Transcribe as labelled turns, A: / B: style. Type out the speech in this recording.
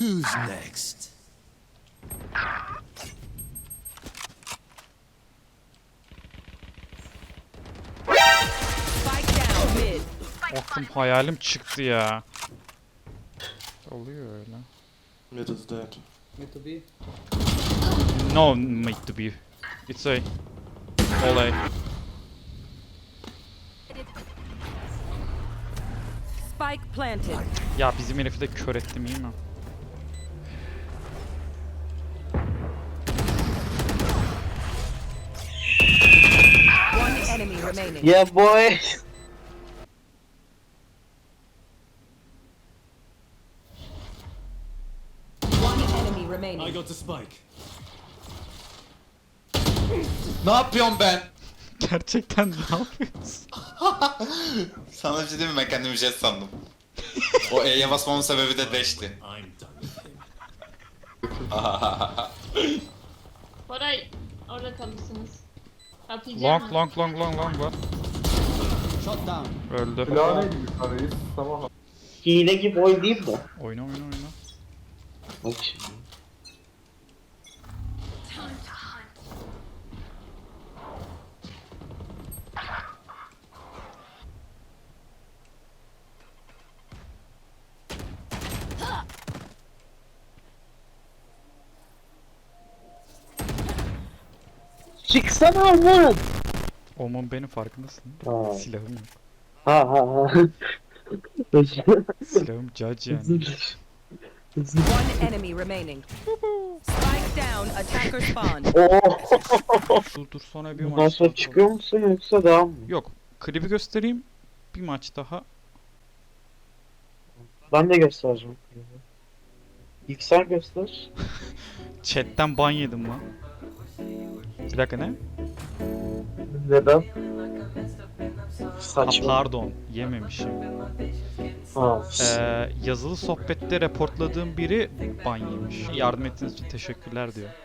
A: Who's next?
B: Spike down mid.
C: Aklım hayalim çıktı ya. Oluyor öyle.
D: Mid is dead.
E: Mid to be.
C: No mid to be. It's A. All A.
B: Spike planted.
C: Ya bizim herifi de kör ettim iyi mi?
B: One enemy remaining.
F: Yeah, boy.
B: One enemy remaining.
A: got the spike.
G: Ne yapıyorum ben?
C: Gerçekten ne yapıyorsun?
G: Sana bir şey diyeyim mi? Ben kendimi jet sandım. O E'ye basmamın sebebi de dash'ti.
A: I'm done with him.
H: Koray orada kalırsınız. Atacağım
C: Long
H: mı?
C: long long long long var.
E: Shot down.
C: Öldü.
D: Silahı yukarı reis. Tamam.
F: Hile gibi oynayayım mı?
C: Oyna oyna oyna.
F: Bak şimdi. Çıksana lan.
C: Oman benim farkındasın.
F: Ha.
C: Silahım yok.
F: Ha ha ha.
C: Silahım judge yani.
B: One enemy remaining. Spike down. Attacker spawn.
F: Oo.
C: Dur sonra bir
F: Bundan
C: maç
F: sonra
C: daha.
F: çıkıyor musun yoksa devam mı?
C: Yok. Klibi göstereyim. Bir maç daha.
F: Ben de göstereceğim. İlk sen göster.
C: Chatten ban yedim lan. Bir dakika ne?
F: Neden?
C: Ha,
F: Saçma.
C: pardon. Yememişim.
F: Ha.
C: Yazılı sohbette reportladığım biri ban yemiş. Yardım ettiğiniz için teşekkürler diyor.